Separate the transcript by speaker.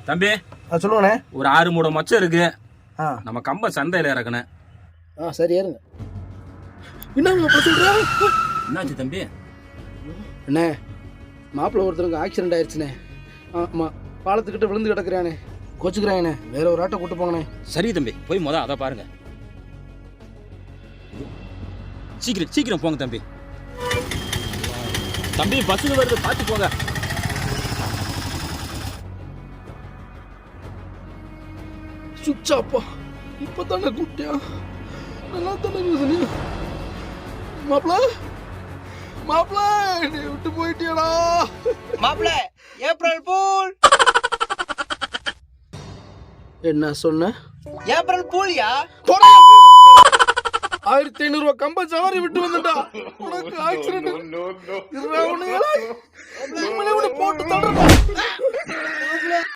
Speaker 1: தம்பி
Speaker 2: சொல்லுங்கண்ணே.
Speaker 1: ஒரு 6 மூட மச்சம் இருக்கு. நம்ம கம்ப சந்தையில இறக்கணும்.
Speaker 2: சரி ஏறுங்க. என்ன சொல்ற?
Speaker 1: என்னாச்சு தம்பி?
Speaker 2: அண்ணே, மாப்பிள்ளை ஒருத்தருக்கு ஆக்சிடென்ட் ஆயிடுச்சுண்ணே. ஆமாம், பாலத்துக்கிட்ட விழுந்து கிடக்குறானே. கோச்சுக்கிறாங்கண்ணே, வேற ஒரு ஆட்டை கூட்டு போங்கண்ணே.
Speaker 1: சரி தம்பி, போய் அதை பாருங்க. சீக்கிரம் சீக்கிரம் போங்க தம்பி. தம்பி பஸ்ஸுக்கு வருது, பார்த்து போங்க.
Speaker 2: சுச்சாப்பா, இப்பதானே கூட்டியா? நல்லா தானே இருந்தது. மாப்பிள்ள நீ விட்டு போயிட்டியடா.
Speaker 3: மாப்பிள்ள ஏப்ரல் பூல்.
Speaker 2: என்ன சொன்ன?
Speaker 3: ஏப்ரல் பூல்யா?
Speaker 2: 1500 கம்ப சவாரி விட்டு வந்துட்டா. உனக்கு ஆக்சிடென்ட். போட்டு தள்ளுறா.